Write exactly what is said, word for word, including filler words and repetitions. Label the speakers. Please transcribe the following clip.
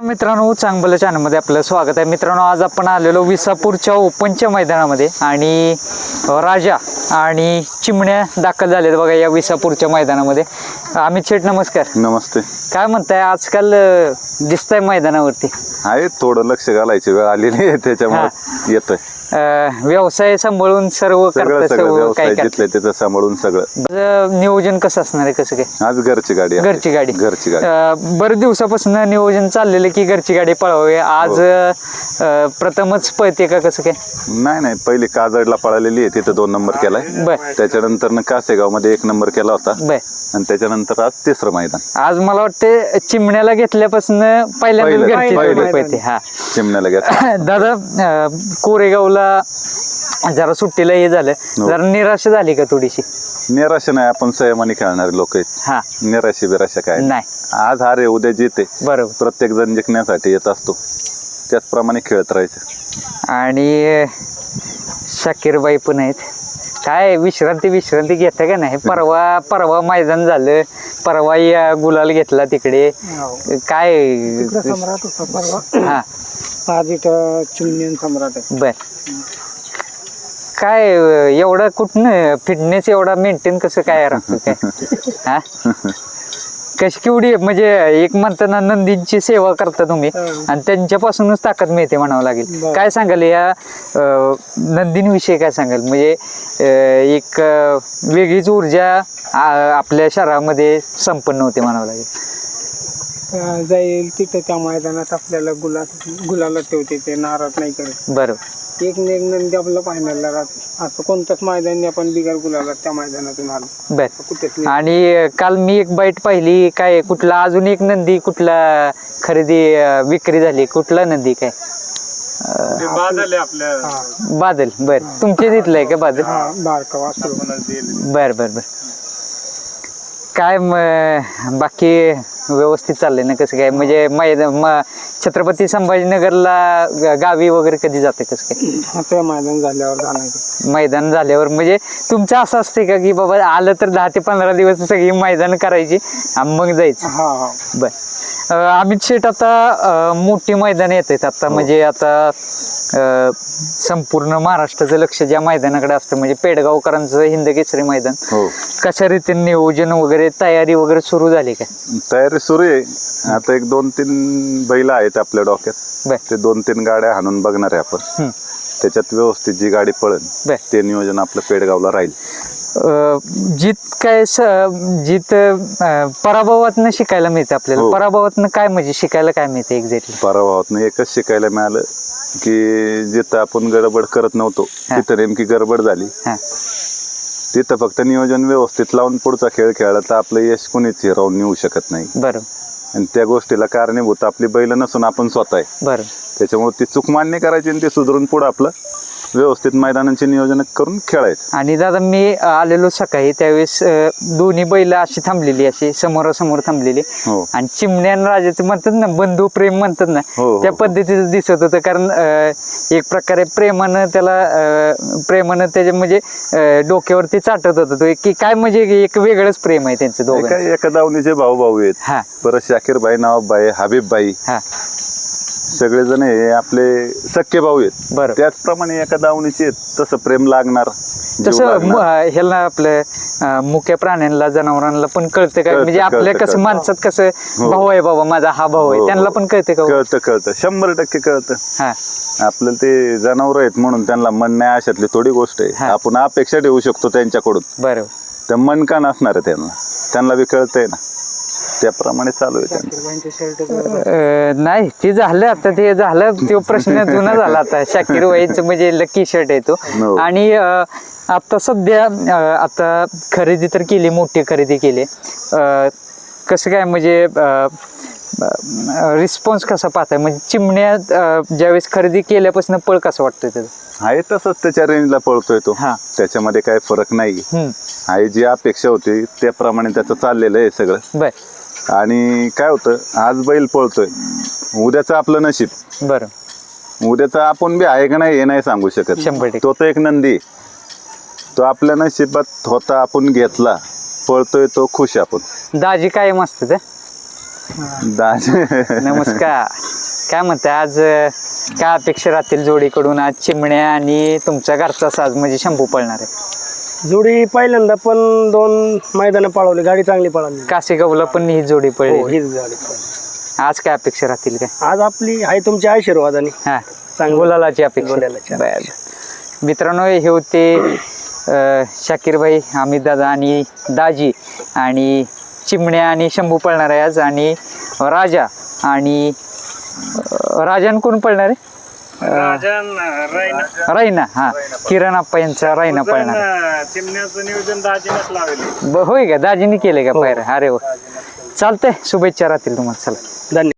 Speaker 1: मित्रांनो, चांगलं चॅनलमध्ये आपलं स्वागत आहे. मित्रांनो, आज आपण आलेलो विसापूरच्या ओपनच्या मैदानामध्ये आणि राजा आणि चिमण्या दाखल झालेत बघा या विसापूरच्या मैदानामध्ये. अमित शेठ नमस्कार.
Speaker 2: नमस्ते.
Speaker 1: काय म्हणताय, आजकाल दिसतंय मैदानावरती?
Speaker 2: आहे थोडं लक्ष घालायची वेळ आलेली आहे त्याच्यामुळे येतोय.
Speaker 1: व्यवसाय सांभाळून सर्व
Speaker 2: सगळं
Speaker 1: करता,
Speaker 2: सगळं
Speaker 1: सर्व
Speaker 2: व्यवसाय
Speaker 1: काय
Speaker 2: जिथलं त्याचं सांभाळून सगळं.
Speaker 1: नियोजन कसं असणार आहे, कसं काय?
Speaker 2: आज घरची गाडी आहे.
Speaker 1: घरची गाडी
Speaker 2: घरची गाडी
Speaker 1: बरेच दिवसापासून नियोजन चाललेलं की घरची गाडी पळवावी. आज प्रथमच पळते का, कसं काय?
Speaker 2: नाही नाही पहिली काजडला पळालेली आहे, तिथं दोन नंबर केलाय.
Speaker 1: बर.
Speaker 2: त्याच्यानंतर कासेगाव मध्ये एक नंबर केला होता.
Speaker 1: बर.
Speaker 2: आणि त्याच्यानंतर आज तिसरं मैदान.
Speaker 1: आज मला वाटते चिमण्याला घेतल्यापासून पहिल्यांदा घरची गाडी पळते. हा,
Speaker 2: चिमण्याला घेतला.
Speaker 1: दादा, कोरेगावला जरा सुट्टीला हे झालं, जरा निराशा झाली का थोडीशी?
Speaker 2: निराशा नाही, आपण संयमाने खेळणारे लोक आहेत.
Speaker 1: हा,
Speaker 2: निराशा बिराशा काय
Speaker 1: नाही.
Speaker 2: आज हार आहे, उद्या जिते.
Speaker 1: बरोबर.
Speaker 2: प्रत्येक जण जिंकण्यासाठी येत असतो, त्याचप्रमाणे खेळत राहायचं.
Speaker 1: आणि शाकीरबाई पण आहेत. काय विश्रांती विश्रांती घेता का नाही? परवा परवा मैदान झालं, परवा या गुलाल घेतला तिकडे. काय
Speaker 3: सम्राट होता परवा.
Speaker 1: हा,
Speaker 3: आज इथं चिमण्यान सम्राट आहे.
Speaker 1: बर. काय एवढा कुठनं फिटनेस एवढा मेंटेन कसं काय राहतं काय? हा, कशी केवढी म्हणजे एक म्हणताना नंदींची सेवा करता तुम्ही आणि त्यांच्यापासूनच ताकद मिळते म्हणावं लागेल. काय सांगाल या नंदींविषयी, काय सांगाल? म्हणजे एक वेगळीच ऊर्जा आपल्या शहरामध्ये संपन्न होते म्हणावं लागेल.
Speaker 3: जाईल तिथं त्या मैदानात आपल्याला गुलाल गुलाला ठेवते, ते नाराज नाही करत.
Speaker 1: बरोबर.
Speaker 3: एक एक नंदी आपलं फायनलला राहत. असं कोणतंच मैदान आपण बिगर गुलाला त्या मैदानातून आलो.
Speaker 1: बर.
Speaker 3: कुठेच
Speaker 1: आणि काल मी एक बाईट पाहिली, काय कुठला अजून एक नंदी कुठला खरेदी विक्री झाली, कुठला नंदी काय?
Speaker 3: बादल आपल्या
Speaker 1: बादल. बर. तुमच्या तिथलं आहे का बादल?
Speaker 3: बारका वासरू.
Speaker 1: बर बर बर. काय बाकी व्यवस्थित चाललंय ना, कसं काय? म्हणजे मैदान छत्रपती संभाजीनगरला गावी वगैरे कधी जाते, कसं काय?
Speaker 3: ते मैदान झाल्यावर जाणार.
Speaker 1: मैदान झाल्यावर म्हणजे तुमचं असं असते का की बाबा आलं तर दहा ते पंधरा दिवस सगळी मैदान करायची आणि मग जायचं?
Speaker 3: हा हा.
Speaker 1: बर. अमित शेठ, आता मोठी मैदान येत आहेत आता, म्हणजे आता संपूर्ण महाराष्ट्राचं लक्ष ज्या मैदानाकडे असतं, म्हणजे पेडगावकरांचं हिंद केसरी मैदान. कशा रीतीने नियोजन वगैरे तयारी वगैरे सुरू झाली का?
Speaker 2: तयारी सुरू आहे. आता एक दोन तीन बैल आहेत आपल्या डोक्यात, ते दोन तीन गाड्या हाणून बघणार आहे आपण. त्याच्यात व्यवस्थित जी गाडी पळेल ते नियोजन आपलं पेडगावला राहील.
Speaker 1: जीत काय जीत पराभवातनं शिकायला मिळते आपल्याला. पराभवातनं काय म्हणजे शिकायला काय मिळते एक्झॅक्टली?
Speaker 2: पराभवातनं एकच शिकायला मिळालं की जिथं आपण गडबड करत नव्हतो तिथं नेमकी गडबड झाली. तिथं फक्त नियोजन व्यवस्थित लावून पुढचा खेळ खेळला तर आपलं यश कोणीच हिरावून नेऊ शकत नाही.
Speaker 1: बरोबर.
Speaker 2: आणि त्या गोष्टीला कारणीभूत आपली बैल नसून आपण स्वतः आहे.
Speaker 1: बरोबर.
Speaker 2: त्याच्यामुळे ती चूक मान्य करायची आणि ती सुधारून पुढे आपलं व्यवस्थित मैदानाचे नियोजन करून खेळायचं.
Speaker 1: आणि दादा, मी आलेलो सकाळी त्यावेळेस दोन्ही बैल अशी थांबलेली, अशी समोरासमोर थांबलेली. आणि चिमण्या राजाचं म्हणतात ना, बंधू प्रेम म्हणतात ना, त्या पद्धतीचं दिसत होतं. कारण एक प्रकारे प्रेमानं त्याला प्रेमानं त्याच्या म्हणजे डोक्यावरती चाटत होतं तो, की काय म्हणजे एक वेगळंच प्रेम आहे त्यांचं दोघं.
Speaker 2: एका दावणीचे भाऊ भाऊ आहेत.
Speaker 1: हा.
Speaker 2: परत शाकीरबाई, नवाबबाई, हबीबबाई,
Speaker 1: हा,
Speaker 2: सगळेजण हे आपले सख्खे भाऊ आहेत.
Speaker 1: बरं.
Speaker 2: त्याचप्रमाणे एका दावणीचे आहेत, तसं प्रेम लागणार.
Speaker 1: तसं ह्याला आपलं मुख्य प्राण्यांना, जनावरांना पण कळतं का? म्हणजे आपल्या कसं माणसात कसं भाऊ आहे, बाबा माझा हा भाऊ आहे, त्यांना पण कळतं का?
Speaker 2: कळतं कळतं शंभर टक्के कळतं.
Speaker 1: हा.
Speaker 2: आपल्याला ते जनावर आहेत म्हणून त्यांना मन नाही अशातली थोडी गोष्ट आहे. आपण अपेक्षा ठेवू शकतो त्यांच्याकडून.
Speaker 1: बरोबर.
Speaker 2: तर मन का नसणार आहे त्यांना? त्यांना बी कळतंय ना, त्याप्रमाणे चालू आहे त्यांचं.
Speaker 1: नाही, ते झालं आता, ते झालं तो प्रश्न जुना झाला आता. शाकीर वाईचं म्हणजे लकी शर्ट आहे तो. आणि आता सध्या आता खरेदी तर केली, मोठी खरेदी केली. कसं काय म्हणजे रिस्पॉन्स कसा पाहताय? म्हणजे चिमण्या ज्यावेळेस खरेदी केल्यापासून पळ कसं वाटतंय त्याचं?
Speaker 2: आहे तसंच त्याच्या रेंजला पळतोय तो. त्याच्यामध्ये काही फरक नाही आहे. जी अपेक्षा होती त्याप्रमाणे त्याचं चाललेलं आहे सगळं.
Speaker 1: बर.
Speaker 2: आणि काय होतं, आज बैल पळतोय, उद्याचं आपलं नशीब.
Speaker 1: बरं.
Speaker 2: उद्याचं आपण बी आहे का नाही हे नाही सांगू शकत. तो तर एक नंदी, तो आपल्या नशिबात होता, आपण घेतला, पळतोय तो खुश आपण.
Speaker 1: दाजी काय मस्त ते.
Speaker 2: दाजी
Speaker 1: नमस्कार. काय म्हणताय आज अं, काय अपेक्षा राहतील जोडीकडून? आज चिमण्या आणि तुमचा घरचा साज म्हणजे शंभू पळणार आहे.
Speaker 4: जोडी पहिल्यांदा पण दोन मैदानं पळवली, गाडी चांगली पळाली.
Speaker 1: कासेगावला पण ही जोडी
Speaker 4: हो
Speaker 1: पळली.
Speaker 4: हीच गाडी पळाली.
Speaker 1: आज काय अपेक्षा राहतील काय?
Speaker 4: आज आपली आहे तुमच्या आशीर्वादाने
Speaker 1: हा
Speaker 4: चांगलं
Speaker 1: गुलालाची अपेक्षा.
Speaker 4: गुलालाची
Speaker 1: बर. मित्रांनो हे होते अं, शाकीरभाई, अमित दादा आणि दाजी आणि चिमण्या आणि शंभू पळणार आहे आज, आणि राजा आणि अं, राजान कोण पळणार आहे? रायना. हा किरण आप्पा यांचा रायना पळणार आहे.
Speaker 3: चिमण्याचं नियोजन दाजीनच लावले.
Speaker 1: ब- होय का दाजीने केले का पायऱ्या? अरे वा चालतंय, शुभेच्छा राहतील तुम्हाला. चला
Speaker 4: धन्यवाद.